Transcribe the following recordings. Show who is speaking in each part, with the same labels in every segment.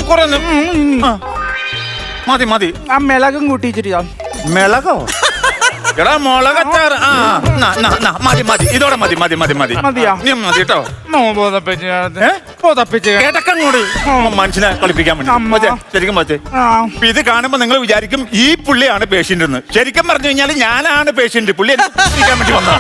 Speaker 1: കുറെ മതി മതി.
Speaker 2: ആ മിളകും കൂട്ടിച്ചിട്ട്.
Speaker 1: മിളകോ? എടാ മുളകച്ചാറ്. മതി മതി, ഇതോടെ മതി മതി മതി മതി.
Speaker 2: മതിയാ?
Speaker 1: നീ മതി കേട്ടോ. കേട്ടക്കങ്ങോട് മനുഷ്യനെ കളിപ്പിക്കാൻ വേണ്ടി ശരിക്കും പറ്റേ. ഇത് കാണുമ്പോ നിങ്ങൾ വിചാരിക്കും ഈ പുള്ളിയാണ് പേഷ്യന്റ് എന്ന്. ശരിക്കും പറഞ്ഞു കഴിഞ്ഞാൽ ഞാനാണ് പേഷ്യന്റ്. പുള്ളി കളിപ്പിക്കാൻ വേണ്ടി വന്നതാണ്.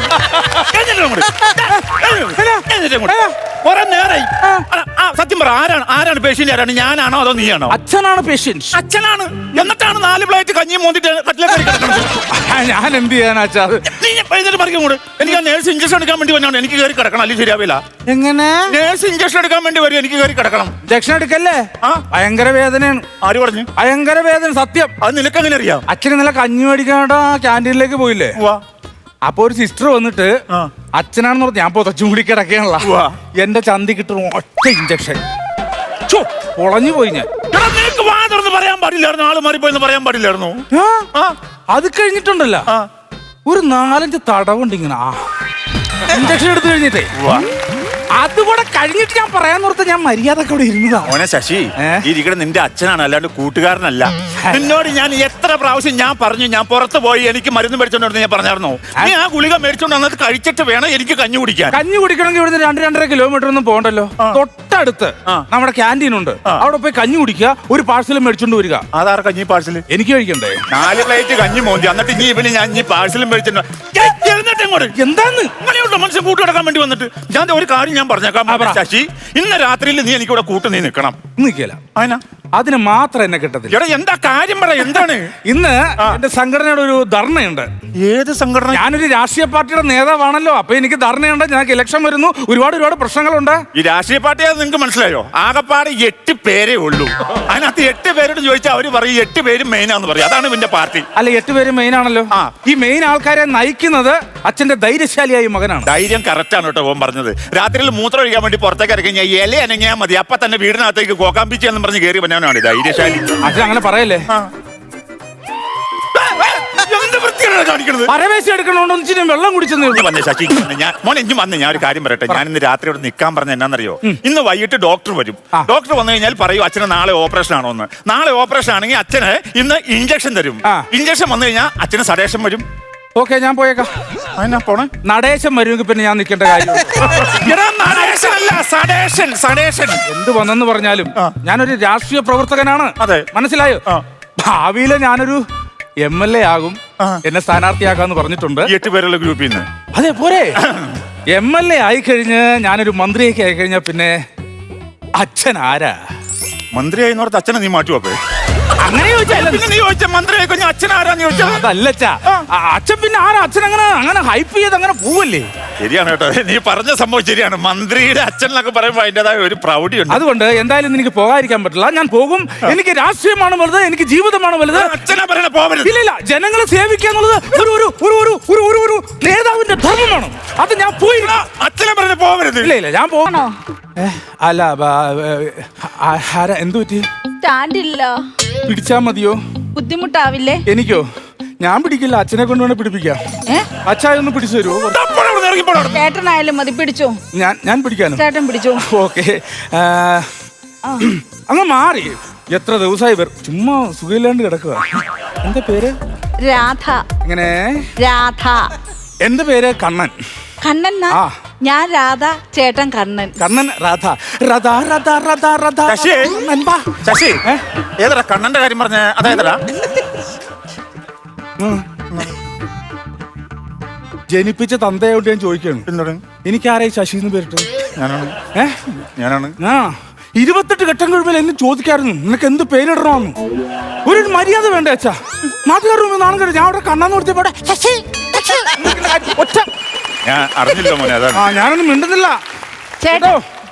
Speaker 1: കുറെ നേരായി. സത്യം പറ, ആരാണ് പേഷ്യന്റ്? ആരാണ്, ഞാനാണോ അതോ നീയാണോ?
Speaker 2: അച്ഛനാണ് പേഷ്യന്റ്.
Speaker 1: അച്ഛനാണ്. എന്നിട്ടാണ് 4 പ്ലേറ്റ് കഞ്ഞി മോന്തിട്ട്
Speaker 2: ഞാൻ എന്ത് ചെയ്യാനാച്ചാ?
Speaker 1: നീ എഴുന്നേറ്റ് പറിക്കും കൂടെ. എനിക്ക് ആ നേഴ്സ് ഇഞ്ചക്ഷൻ എടുക്കാൻ വേണ്ടി വന്നാണ്. എനിക്ക് കയറി കിടക്കണം, അല്ലെങ്കിൽ ശരിയാവില്ല.
Speaker 2: എങ്ങനെ?
Speaker 1: നേഴ്സ് ഇഞ്ചക്ഷൻ എടുക്കാൻ വേണ്ടി വരും, എനിക്ക് കയറി കിടക്കണം.
Speaker 2: ഇഞ്ചക്ഷൻ എടുക്കല്ലേ? ഭയങ്കര വേദനയാണ്.
Speaker 1: ആര് പറഞ്ഞു?
Speaker 2: ഭയങ്കര വേദന. സത്യം.
Speaker 1: അത് നിനക്ക് എങ്ങനെ അറിയാം?
Speaker 2: അച്ഛൻ ഇന്നലെ കഞ്ഞി മേടിക്കാനായിട്ട് ക്യാൻറ്റീനിലേക്ക് പോയില്ലേ? അപ്പൊ ഒരു സിസ്റ്റർ വന്നിട്ട് അച്ഛനാണെന്ന് പറഞ്ഞ് ഞാൻ പൊതച്ചും കൂടി കിടക്കാനുള്ള എന്റെ ചന്തി കിട്ടും ഒറ്റ ഇഞ്ചക്ഷൻ. പൊളഞ്ഞു പോയി ഞാൻ.
Speaker 1: നിനക്ക് വാ തുറന്ന് പറയാൻ പാടില്ലായിരുന്നു. ആള് മാറിപ്പോയെന്ന് പറയാൻ പാടില്ലായിരുന്നു.
Speaker 2: അത് കഴിഞ്ഞിട്ടുണ്ടല്ലോ ഒരു 4-5 തടവുണ്ട് ഇങ്ങനെ ഇഞ്ചക്ഷൻ എടുത്തു കഴിഞ്ഞിട്ടേ. അതുകൂടെ കഴിഞ്ഞിട്ട് ഞാൻ പറയാന്നോർത്ത് ഞാൻ മര്യാദക്ക് ഇവിടെ ഇരുന്നതാ.
Speaker 1: ഓനെ ശശി, ഇരിക്കണ നിന്റെ അച്ഛനാണ്, അല്ലാണ്ട് കൂട്ടുകാരനല്ല. നിന്നോട് ഞാൻ എത്ര പ്രാവശ്യം ഞാൻ പറഞ്ഞു ഞാൻ പുറത്ത് പോയി എനിക്ക് മരുന്ന് മേടിച്ചോണ്ട് ഞാൻ പറഞ്ഞായിരുന്നോ? നീ ആ ഗുളിക മേടിച്ചോണ്ട് വന്നത് കഴിച്ചിട്ട് വേണം എനിക്ക് കഞ്ഞി കുടിക്കാൻ.
Speaker 2: കഞ്ഞി കുടിക്കണമെങ്കിൽ ഇവിടുന്ന് 2-2.5 കിലോമീറ്റർ ഒന്നും പോകണ്ടല്ലോ. തൊട്ടടുത്ത് നമ്മുടെ ക്യാൻറ്റീൻ ഉണ്ട്. അവിടെ പോയി കഞ്ഞി കുടിക്കുക, ഒരു പാഴ്സൽ മേടിച്ചോണ്ട് വരിക.
Speaker 1: അതാർ കഞ്ഞി പാഴ്സൽ?
Speaker 2: എനിക്ക് കഴിക്കണ്ടേ?
Speaker 1: 4 പ്ലേറ്റ് കഞ്ഞി മോന്തി. എന്നിട്ട് ഇനി ഇവന് ഞാൻ ഈ പാഴ്സലും മേടിച്ചിട്ട്
Speaker 2: എന്താന്ന്
Speaker 1: അങ്ങനെയുള്ള മനുഷ്യൻ കൂട്ടു കിടക്കാൻ വേണ്ടി വന്നിട്ട് ഞാൻ ഒരു കാര്യം ഞാൻ പറഞ്ഞേക്കാം ശശി. ഇന്ന് രാത്രിയിൽ നീ എനിക്കിവിടെ കൂട്ട് നീ നിൽക്കണം.
Speaker 2: നിൽക്കില്ല. അതിന് മാത്രം എന്നെ കിട്ടത്തില്ല.
Speaker 1: എന്താ കാര്യം പറ? എന്താണ്?
Speaker 2: ഇന്ന് എന്റെ സംഘടനയുടെ ഒരു ധർണയുണ്ട്.
Speaker 1: ഏത് സംഘടന?
Speaker 2: ഞാനൊരു രാഷ്ട്രീയ പാർട്ടിയുടെ നേതാവാണല്ലോ. അപ്പൊ എനിക്ക് ധർണയുണ്ട്. ഞങ്ങൾക്ക് ഇലക്ഷൻ വരുന്നു. ഒരുപാട് പ്രശ്നങ്ങളുണ്ട്.
Speaker 1: ഈ രാഷ്ട്രീയ പാർട്ടിയാണെന്ന് നിങ്ങൾക്ക് മനസ്സിലായോ? ആകെപ്പാട് 8 പേരേ ഉള്ളൂ. അതിനകത്ത് 8 പേരോട് ചോദിച്ചാൽ അവര് പറയും 8 പേരും മെയിനാന്ന് പറയും. അതാണ് ഇവന്റെ പാർട്ടി.
Speaker 2: അല്ല, 8 പേരും മെയിൻ ആണല്ലോ. ഈ മെയിൻ ആൾക്കാരെ നയിക്കുന്നത് അച്ഛന്റെ ധൈര്യശാലിയായ മകനാണ്.
Speaker 1: ധൈര്യം കറക്റ്റ് ആണ് കേട്ടോ ഓൻ പറഞ്ഞത്. രാത്രിയിൽ മൂത്രം ഒഴിക്കാൻ വേണ്ടി പുറത്തേക്ക് ഇറങ്ങി കഴിഞ്ഞാൽ ഇല അനങ്ങിയാൽ മതി, അപ്പൊ തന്നെ വീടിനകത്തേക്ക് കോക്കാമ്പിച്ച് എന്ന് പറഞ്ഞ് കയറി വന്നവനാണ് ധൈര്യശാലി.
Speaker 2: അച്ഛൻ അങ്ങനെ പറയല്ലേ. പരവേശം എടുക്കണോന്ന് വെള്ളം കുടിച്ചെന്ന്
Speaker 1: ശശി. മോനെ ഇഞ്ഞു വന്ന് ഞാൻ ഒരു കാര്യം പറയട്ടെ. ഞാൻ ഇന്ന് രാത്രി ഇവിടെ നിൽക്കാൻ പറഞ്ഞ എന്നാന്നറിയോ? ഇന്ന് വൈകിട്ട് ഡോക്ടർ വരും. ഡോക്ടർ വന്നു കഴിഞ്ഞാൽ പറയും അച്ഛന് നാളെ ഓപ്പറേഷൻ ആണോ എന്ന്. നാളെ ഓപ്പറേഷൻ ആണെങ്കിൽ അച്ഛന് ഇന്ന് ഇഞ്ചക്ഷൻ തരും. ഇഞ്ചക്ഷൻ വന്നു കഴിഞ്ഞാൽ അച്ഛന് സഡേഷൻ വരും.
Speaker 2: ഓക്കെ, ഞാൻ പോയേക്കാം.
Speaker 1: പോണേ?
Speaker 2: നടേശം വരുമെങ്കിൽ പിന്നെ ഞാൻ നിൽക്കേണ്ട കാര്യം. എന്ത് വന്നെന്ന് പറഞ്ഞാലും ഞാനൊരു രാഷ്ട്രീയ പ്രവർത്തകനാണ്. മനസ്സിലായോ? ഭാവിയില് ഞാനൊരു MLA ആകും. എന്നെ സ്ഥാനാർത്ഥിയാക്കാന്ന് പറഞ്ഞിട്ടുണ്ട്
Speaker 1: 8 പേരുള്ള ഗ്രൂപ്പിൽ നിന്ന്.
Speaker 2: അതെ പോരെ. MLA ആയിക്കഴിഞ്ഞ് ഞാനൊരു മന്ത്രിയൊക്കെ ആയിക്കഴിഞ്ഞാ പിന്നെ അച്ഛൻ ആരാ?
Speaker 1: മന്ത്രിയായി നോർത്ത് അച്ഛനെ നീ മാറ്റുവോ?
Speaker 2: അങ്ങനെ
Speaker 1: ചോദിച്ചാൽ മന്ത്രിയായി കഴിഞ്ഞാൽ അച്ഛൻ ആരാന്ന് ചോദിച്ചാൽ
Speaker 2: അതല്ലച്ചാ. അച്ഛൻ പിന്നെ ആരാ? അച്ഛൻ അങ്ങനെ ഹൈപ്പ് ചെയ്ത് അങ്ങനെ പോവല്ലേ?
Speaker 1: ശരിയാണ് കേട്ടോ, നീ പറഞ്ഞ സംഭവം ശരിയാണ്. മന്ത്രിയുടെ അച്ഛൻ എന്നൊക്കെ പറയുമ്പോൾ അതിൻ്റെതായ ഒരു പ്രൗഢിയുണ്ട്.
Speaker 2: അതുകൊണ്ട് എന്തായാലും എനിക്ക് പോകാതിരിക്കാൻ പറ്റില്ല. ഞാൻ പോകും. എനിക്ക് രാഷ്ട്രീയമാണ് വലുത്, എനിക്ക് ജീവിതമാണ് വലുത്.
Speaker 1: അച്ഛനെ പറയണ പോകരുത്.
Speaker 2: ഇല്ല, ജനങ്ങളെ സേവിക്കുക എന്നുള്ളത് ഒരു നേതാവിന്റെ ധർമ്മമാണ്. അത് ഞാൻ പോയി.
Speaker 1: അച്ഛനെ പറയണ പോകരുത്.
Speaker 2: ഇല്ല, ഞാൻ പോകണോ? അല്ല, എന്തു പറ്റി?
Speaker 3: സ്റ്റാൻഡില്ല.
Speaker 2: പിടിച്ചാ മതിയോ?
Speaker 3: ബുദ്ധിമുട്ടാവില്ലേ?
Speaker 2: എനിക്കോ? ഞാൻ പിടിക്കില്ല. അച്ഛനെ കൊണ്ട് വേണം പിടിപ്പിക്കാം. അച്ഛായൊന്ന് പിടിച്ചു തരുമോ?
Speaker 3: ചേട്ടനായാലും മതി. പിടിച്ചോ.
Speaker 2: ഞാൻ പിടിക്കാനോ?
Speaker 3: ചേട്ടൻ പിടിച്ചോ.
Speaker 2: ഓക്കെ. അങ്ങ് മാറി. എത്ര ദിവസമായി ചുമ്മാ സുഖമില്ലാണ്ട് കിടക്കുക. എന്താ പേര്?
Speaker 3: രാധ.
Speaker 2: എങ്ങനെ?
Speaker 3: രാധ.
Speaker 2: എന്റെ പേര് കണ്ണൻ.
Speaker 3: കണ്ണൻ? ഞാൻ രാധ, ചേട്ടൻ കണ്ണൻ.
Speaker 2: കണ്ണൻ, രാധ.
Speaker 1: ശശി, ഏതാ കണ്ണന്റെ കാര്യം പറഞ്ഞ? അതേതാ?
Speaker 2: ജനിപ്പിച്ച തന്തയോട് ഞാൻ ചോദിക്കാണ്. എനിക്കാരായി ശശി എന്ന് പേരിട്ട്?
Speaker 1: ഞാനാണ്.
Speaker 2: 28 ഘട്ടം കഴിയുമ്പോൾ എന്നെ ചോദിക്കായിരുന്നു നിനക്ക് എന്ത് പേരിടണമെന്ന്. ഒരു മര്യാദ വേണ്ട അച്ഛാ. നാട്ടുകാരുടെ നാണം കഴിയും. ഞാൻ അവിടെ കണ്ണാന്ന് കൊടുത്തപ്പോടെ ഒറ്റ
Speaker 1: ഞാൻ അറിഞ്ഞില്ല മോനെ. അതാണ്
Speaker 2: ഞാനൊന്നും മിണ്ടുന്നില്ല.
Speaker 3: ചേട്ടാ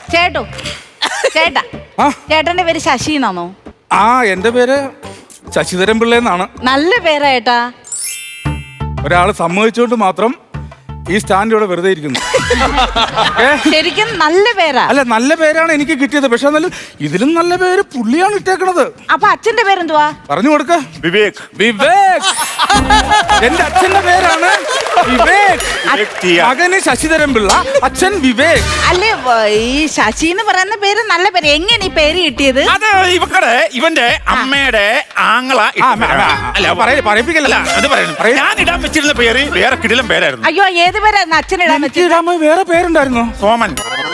Speaker 3: ചേട്ടന്റെ പേര് ശശി എന്നാണോ?
Speaker 2: എന്റെ പേര് ശശിധരൻ പിള്ള എന്നാണ്.
Speaker 3: നല്ല പേരാ ഏട്ടാ.
Speaker 2: ഒരാള് സമ്മതിച്ചുകൊണ്ട് മാത്രം ഈ സ്റ്റാൻഡ് ഇവിടെ വെറുതെ ഇരിക്കുന്നു.
Speaker 3: ശരിക്കും നല്ല പേരാ.
Speaker 2: അല്ല, നല്ല പേരാണ് എനിക്ക് കിട്ടിയത്. പക്ഷെ എന്നാലും ഇതിലും നല്ല പേര് പുള്ളിയാണ് ഇട്ടേക്കണത്.
Speaker 3: അപ്പൊ അച്ഛന്റെ പേരെന്തുവാ?
Speaker 2: പറഞ്ഞു കൊടുക്ക.
Speaker 1: വിവേക്.
Speaker 2: വിവേക്. എന്റെ അച്ഛന്റെ പേരാണ് വിവേക്. മകന് ശശിധരൻ പിള്ള, അച്ഛൻ വിവേക്.
Speaker 3: അല്ലേ, ഈ ശശി എന്ന് പറയുന്ന പേര് നല്ല പേര്. എങ്ങനെ ഈ പേര് കിട്ടിയത്?
Speaker 1: അത് ഇവന്റെ അമ്മയുടെ ആങ്ങള
Speaker 2: പറയിപ്പിക്കല്ല.
Speaker 1: അത് പറയണം. ഞാൻ ഇടാൻ വെച്ചിരുന്ന പേര് വേറെ കിടിലം പേരായിരുന്നു.
Speaker 3: അയ്യോ, ഏത് പേരായിരുന്നു അച്ഛനിടാൻ വെച്ചത്?
Speaker 2: വേറെ പേരുണ്ടായിരുന്നോ?
Speaker 1: സോമൻ.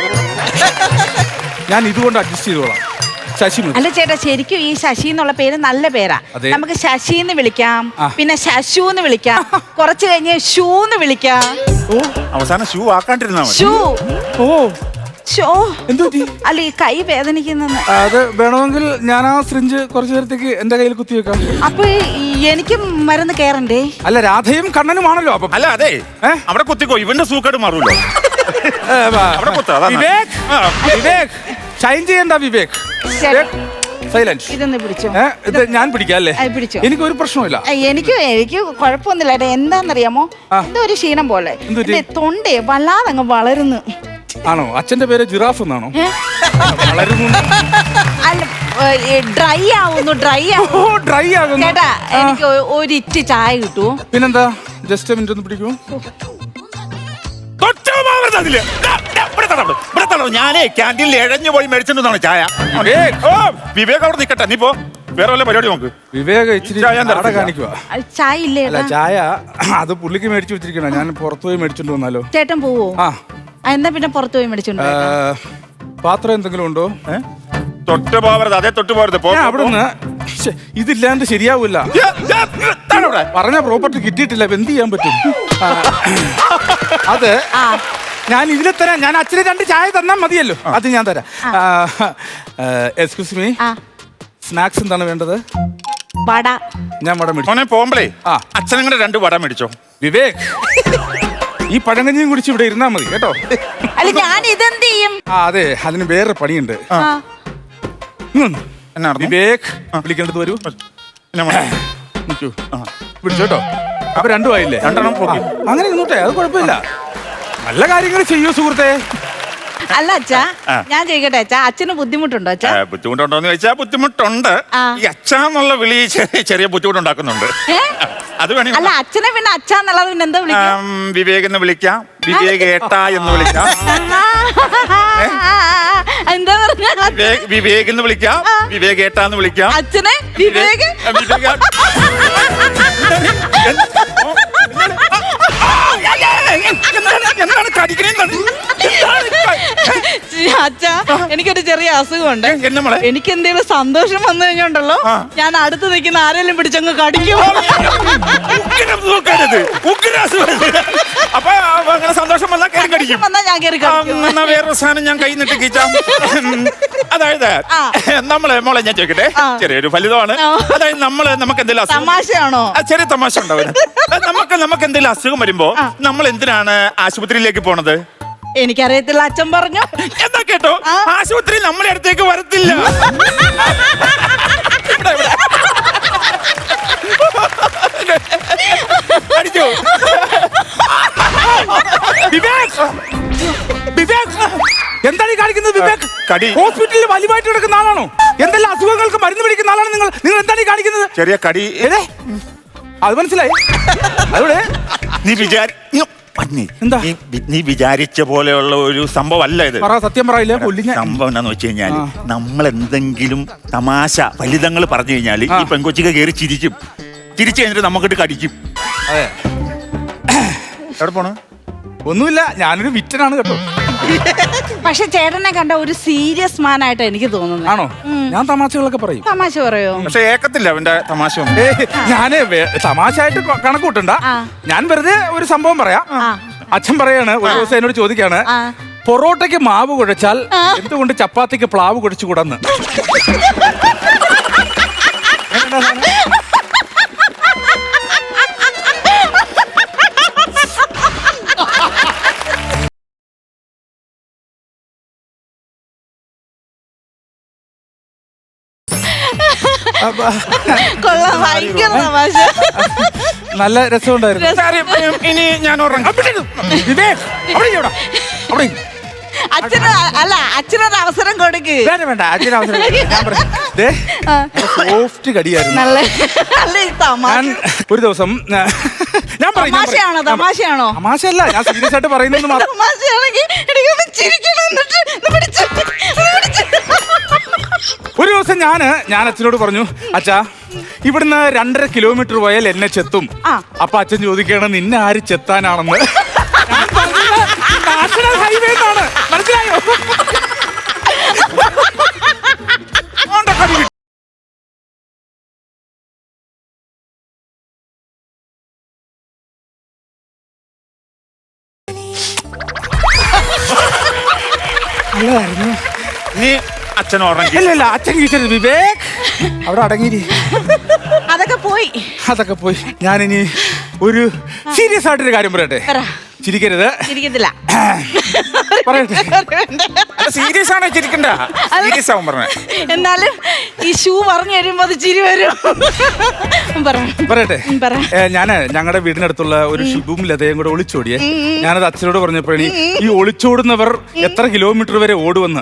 Speaker 2: ഞാൻ ഇതുകൊണ്ട് അഡ്ജസ്റ്റ് ചെയ്തോളാം. ശശി.
Speaker 3: അല്ല ചേട്ടാ, ശരിക്കും ഈ ശശി എന്നുള്ള പേര് നല്ല പേരാ. നമുക്ക് ശശി എന്ന് വിളിക്കാം, പിന്നെ ശശു എന്ന് വിളിക്കാം, കുറച്ച് കഴിഞ്ഞ് ഷൂ എന്ന് വിളിക്കാം.
Speaker 1: അവസാനം ഷൂ ആക്കാണ്ടിരുന്നാ മതി.
Speaker 3: ഷൂ.
Speaker 2: ഓ,
Speaker 3: എന്തോ അല്ല, ഈ കൈ വേദനിക്കുന്ന.
Speaker 2: അത് വേണമെങ്കിൽ ഞാൻ ആ സിറിഞ്ച് കുറച്ചു നേരത്തേക്ക് എന്റെ കയ്യിൽ കുത്തിവെക്കാം.
Speaker 3: അപ്പൊ എനിക്ക് മരുന്ന് കേറണ്ടേ?
Speaker 2: അല്ല, രാധയും കണ്ണനുമാണല്ലോ. അപ്പൊ
Speaker 1: അല്ല, അതെ, അവിടെ കുത്തിക്കോ, ഇവന്റെ സൂക്കേട് മാറൂല്ലോ.
Speaker 2: വിവേക്, വിവേക് ഷൈൻ ചെയ്യണ്ട. വിവേക്, സൈലൻസ്.
Speaker 3: ഇതൊന്ന് പിടിച്ചോ.
Speaker 2: ഇത് ഞാൻ പിടിക്കാം അല്ലേ?
Speaker 3: പിടിച്ചോ.
Speaker 2: എനിക്ക് ഒരു പ്രശ്നമില്ല.
Speaker 3: എനിക്ക് കുഴപ്പമൊന്നുമില്ല. എന്താന്നറിയാമോ, എന്തോ ഒരു ക്ഷീണം പോലെ തൊണ്ടേ വല്ലാതെ അങ്ങ് വളരുന്നു.
Speaker 2: ആണോ? അച്ഛന്റെ പേര് ജിറാഫ് എന്നാണോ?
Speaker 3: അല്ല, ഡ്രൈ ആവുന്നു. ഡ്രൈ ആവുന്നു ചേട്ടാ. എനിക്ക് ഒരു ഇറ്റ് ചായ കിട്ടുമോ?
Speaker 2: പിന്നെന്താ, ജസ്റ്റ് മിനിറ്റ് ഒന്ന് പിടിക്കൂ.
Speaker 1: ഞാനേ ക്യാൻറ്റീനിൽ എഴഞ്ഞു പോയി മേടിച്ചിട്ടുണ്ടാണ് ചായ. വിവേക് അവിടെ നിക്കട്ടെ, നീ പോ, വേറെ വല്ല പരിപാടി നോക്ക്.
Speaker 2: വിവേക് ഇച്ചിരി കാണിക്കുവാ.
Speaker 3: ചായ ഇല്ലേ?
Speaker 2: അല്ല, ചായ അത് പുള്ളിക്ക് മേടിച്ചു വെച്ചിരിക്കണ. ഞാൻ പുറത്തു പോയി മേടിച്ചോണ്ട് വന്നാലോ?
Speaker 3: ചേട്ടൻ പോവോ? എന്നാ പിന്നെ പുറത്തു പോയി മേടിച്ചോണ്ട്.
Speaker 2: പാത്രം എന്തെങ്കിലും ഉണ്ടോ?
Speaker 1: തൊട്ട് പോവരുത്, അതേ തൊട്ട് പോരുത്.
Speaker 2: അവിടുന്ന് ഇതില്ലാണ്ട് ശരിയാവൂല. പറഞ്ഞ പ്രോപ്പർട്ടി കിട്ടിയിട്ടില്ല, എന്ത് ചെയ്യാൻ പറ്റും? അത് ഞാൻ ഇതിലെ തരാം. ഞാൻ അച്ഛന് 2 ചായ തന്നാ മതിയല്ലോ, അത് ഞാൻ തരാം. എക്സ്ക്യൂസ് മീ, സ്നാക്സ് എന്താണ് വേണ്ടത്?
Speaker 3: വട.
Speaker 2: ഞാൻ വട മേടിച്ചു.
Speaker 1: പോകുമ്പളേ അച്ഛനങ്ങനെ 2 വട മേടിച്ചോ.
Speaker 2: വിവേക്, ഈ പഴങ്കഞ്ഞിയും കുടിച്ച് ഇവിടെ ഇരുന്നാ മതി കേട്ടോ.
Speaker 3: അല്ല, ഞാൻ ഇതെന്ത് ചെയ്യും?
Speaker 2: അതെ, അതിന് വേറെ പണിയുണ്ട്. വിവേക് വിളിക്കേണ്ടത് വരൂ. വിളിച്ചോട്ടോ. അപ്പൊ 2 ആയില്ലേ?
Speaker 1: 2
Speaker 2: അങ്ങനെ ഇരുന്നോട്ടെ, അത് കുഴപ്പമില്ല. നല്ല കാര്യങ്ങൾ ചെയ്യൂ സുഹൃത്തെ.
Speaker 3: അല്ല അച്ഛാ, ഞാൻ ചോദിക്കട്ടെ അച്ഛാ, അച്ഛന് ബുദ്ധിമുട്ടുണ്ടോ? അച്ഛാ
Speaker 1: ബുദ്ധിമുട്ടുണ്ടോന്ന് ചോദിച്ചാൽ ബുദ്ധിമുട്ടുണ്ട്. ഈ അച്ഛാന്നുള്ള വിളി ചെറിയ ബുദ്ധിമുട്ടുണ്ടാക്കുന്നുണ്ട്. അത് വേണേ.
Speaker 3: അല്ല, അച്ഛനെ പിന്നെ അച്ഛാന്നുള്ളത് പിന്നെ എന്താ വിളിക്കാം?
Speaker 1: വിവേക് എന്ന് വിളിക്കാം, വിവേക് ഏട്ടാ എന്ന് വിളിക്കാം.
Speaker 3: എന്താ പറഞ്ഞ?
Speaker 1: വിവേക് എന്ന് വിളിക്കാം, വിവേക് ഏട്ടാ എന്ന് വിളിക്കാം.
Speaker 3: അച്ഛനെ വിവേക്. അച്ഛാ, എനിക്കൊരു ചെറിയ അസുഖമുണ്ട്. എനിക്ക് എന്തെങ്കിലും സന്തോഷം വന്നു കഴിഞ്ഞുണ്ടല്ലോ, ഞാൻ അടുത്ത് നിൽക്കുന്ന ആരെങ്കിലും പിടിച്ചങ്ങ് കടിക്കും.
Speaker 1: അപ്പൊ അങ്ങനെ സന്തോഷം വന്നാൽ കയറി കടിക്കും.
Speaker 3: ഞാൻ കയറി കടിക്കും.
Speaker 1: വേറൊരു സാധനം ഞാൻ കൈ നിട്ട് കീച്ചാം. അതായത് മോളെ ഞാൻ ചോദിക്കട്ടെ, ചെറിയൊരു ഫലിതമാണ്. അതായത് നമുക്ക് എന്തെങ്കിലും
Speaker 3: തമാശയാണോ?
Speaker 1: ചെറിയ തമാശ ഉണ്ടാവും. നമുക്ക് എന്തെങ്കിലും അസുഖം വരുമ്പോ നമ്മൾ എന്തിനാണ് ആശുപത്രിയിലേക്ക് പോണത്?
Speaker 3: എനിക്കറിയത്തില്ല, അച്ഛൻ പറഞ്ഞു.
Speaker 1: എന്താ കേട്ടോ, ആശുപത്രി നമ്മുടെ അടുത്തേക്ക് വരത്തില്ല. അടിച്ചോ?
Speaker 2: എന്താണ് ഈ കാണിക്കുന്നത്? വിവേക് ഹോസ്പിറ്റലിൽ വലിവായിട്ട് കിടക്കുന്ന ആളാണോ? എന്തെല്ലാം അസുഖങ്ങൾക്ക് മരുന്ന് പിടിക്കുന്ന ആളാണ് നിങ്ങൾ. നിങ്ങൾ എന്താണ് ഈ കാണിക്കുന്നത്?
Speaker 1: ചെറിയ കടി.
Speaker 2: അത് മനസ്സിലായി. അവിടെ
Speaker 1: നീ വിചാരിച്ച പോലെയുള്ള ഒരു സംഭവം അല്ല ഇത്.
Speaker 2: സത്യം പറയില്ല.
Speaker 1: സംഭവം എന്താന്ന് വെച്ച് കഴിഞ്ഞാല്, നമ്മൾ എന്തെങ്കിലും തമാശ ഫലിതങ്ങൾ പറഞ്ഞു കഴിഞ്ഞാല് ഈ പെൺകൊച്ചിക്ക് കയറി ചിരിക്കും. ചിരിച്ചു കഴിഞ്ഞിട്ട് നമുക്കിട്ട് കടിക്കും.
Speaker 2: അതെ.
Speaker 1: എവിടെ പോണു?
Speaker 2: ഒന്നുമില്ല, ഞാനൊരു വിറ്റനാണ് കേട്ടോ.
Speaker 3: പക്ഷെ ചേട്ടനെ കണ്ട ഒരു സീരിയസ് മാൻ ആയിട്ട് എനിക്ക് തോന്നുന്നു.
Speaker 2: ആണോ? ഞാൻ തമാശകളൊക്കെ പറയും.
Speaker 3: തമാശ പറയോ?
Speaker 1: പക്ഷെ ഏക്കത്തില്ല അവന്റെ തമാശ.
Speaker 2: ഞാന് തമാശ ആയിട്ട് കണക്കൂട്ടണ്ട. ഞാൻ വെറുതെ ഒരു സംഭവം പറയാം. അച്ഛൻ പറയാണ്, ഒരു ദിവസം എന്നോട് ചോദിക്കാണ്, പൊറോട്ടയ്ക്ക് മാവ് കുഴച്ചാൽ എന്തുകൊണ്ട് ചപ്പാത്തിക്ക് പ്ലാവ് കുഴച്ചുകൂടന്ന്.
Speaker 3: കൊള്ളാം, ഭയങ്കര തമാശ.
Speaker 2: നല്ല രസമുണ്ടായിരുന്നു.
Speaker 1: ഇനി ഞാൻ ഉറങ്ങാം.
Speaker 2: വിവേക്, അവിടെ ഇരിക്ക്, അവിടെ ഇരിക്ക്.
Speaker 3: അച്ഛന് അല്ല, അച്ഛനൊരു അവസരം കൊടുക്ക്.
Speaker 2: വേണ്ട വേണ്ട, അച്ഛന് അവസരം ഞാൻ പറയാം. ദേ, സോഫ്റ്റ് കടിയായിരുന്നു.
Speaker 3: നല്ല നല്ല തമാശ.
Speaker 2: ഞാൻ ഒരു ദിവസം ഞാൻ പറയും,
Speaker 3: തമാശയാണോ? തമാശയാണോ?
Speaker 2: തമാശയല്ല, ഞാൻ സീരിയസ് ആയിട്ട് പറയുന്നത് മാത്രം.
Speaker 3: തമാശയാണെങ്കിൽ എനിക്കൊന്ന് ചിരിക്കണം. എന്നിട്ട് ഇത് പിടിച്ച്, ഇത് പിടിച്ച്.
Speaker 2: ഒരു ദിവസം ഞാൻ അച്ഛനോട് പറഞ്ഞു, അച്ഛാ ഇവിടുന്ന് 2.5 കിലോമീറ്റർ പോയാൽ എന്നെ ചെത്തും. അപ്പൊ അച്ഛൻ ചോദിക്കണം, നിന്നെ ആര് ചെത്താനാണെന്ന്. നാഷണൽ ഹൈവേ ആണ്, മനസ്സിലായോ? നല്ലതായിരുന്നു.
Speaker 1: നീ അച്ഛൻ ഉറങ്ങി.
Speaker 2: ഇല്ല അച്ഛൻ ചോദിച്ചത് വിവേക് അവിടെ അടങ്ങിരി.
Speaker 3: അതൊക്കെ പോയി.
Speaker 2: അതൊക്കെ പോയി. ഞാനിനി ഒരു സീരിയസ് ആയിട്ടൊരു കാര്യം പറയട്ടെ. ചിരിക്കരുത്.
Speaker 3: ചിരിക്കത്തില്ല.
Speaker 2: പറയട്ടെ.
Speaker 1: സീരിയസ് ആണോ ചിരിക്കണ്ട? സീരിയസ് ആവും പറഞ്ഞ.
Speaker 3: എന്നാലും ഈ ഷൂ പറഞ്ഞു വരുമ്പോ അത് ചിരി വരും.
Speaker 2: പറയട്ടെ.
Speaker 3: പറ.
Speaker 2: ഞാന് ഞങ്ങളുടെ വീടിനടുത്തുള്ള ഒരു ഷിബും ലതയും കൂടെ ഒളിച്ചോടിയേ. ഞാനത് അച്ഛനോട് പറഞ്ഞപ്പോഴേ, ഈ ഒളിച്ചോടുന്നവർ എത്ര കിലോമീറ്റർ വരെ ഓടുവന്ന്.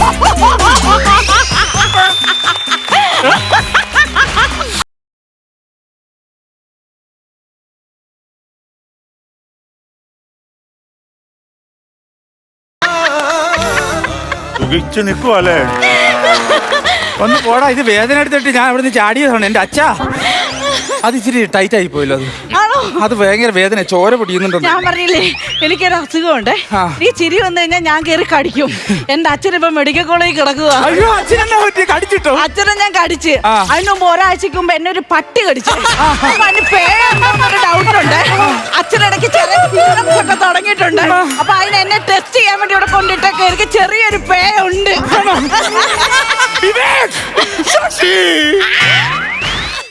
Speaker 1: സുഖിച്ചു നിൽക്കുവല്ലേ?
Speaker 2: ഒന്ന് പോടാ, ഇത് വേദന എടുത്തിട്ട് ഞാൻ അവിടെ നിന്ന് ചാടിയതാണ്. എന്റെ അച്ഛാ, അത് ഇച്ചിരി ടൈറ്റ് ആയി പോയല്ലോ. അത് ഭയങ്കര വേദന, ചോര പൊടിയുന്നുണ്ടോ?
Speaker 3: ഞാൻ പറഞ്ഞില്ലേ, എനിക്കൊരു അസുഖമുണ്ട്. ഈ ചിരി വന്നു കഴിഞ്ഞാൽ ഞാൻ കയറി കടിക്കും. എന്റെ അച്ഛനിപ്പോ മെഡിക്കൽ കോളേജിൽ കിടക്കുക.
Speaker 2: അയ്യോ, അച്ഛനെന്നാ പറ്റി? കടിച്ചിട്ടോ?
Speaker 3: അച്ഛനെ ഞാൻ കടിച്ച്. അതിന് മുമ്പ് ഒരാഴ്ചക്ക് മുമ്പ് എന്നെ ഒരു പട്ടി കടിച്ചു. അതിന് പേരെന്താന്നൊരു ഡൗട്ട് ഉണ്ട്. അച്ഛനിടയ്ക്ക് ചെറിയ symptoms ഒക്കെ തുടങ്ങിയിട്ടുണ്ട്. അപ്പൊ അതിന് എന്നെ ടെസ്റ്റ് ചെയ്യാൻ വേണ്ടി ഇവിടെ കൊണ്ടിട്ടൊക്കെ എനിക്ക് ചെറിയൊരു പേ ഉണ്ട്.
Speaker 1: ശശി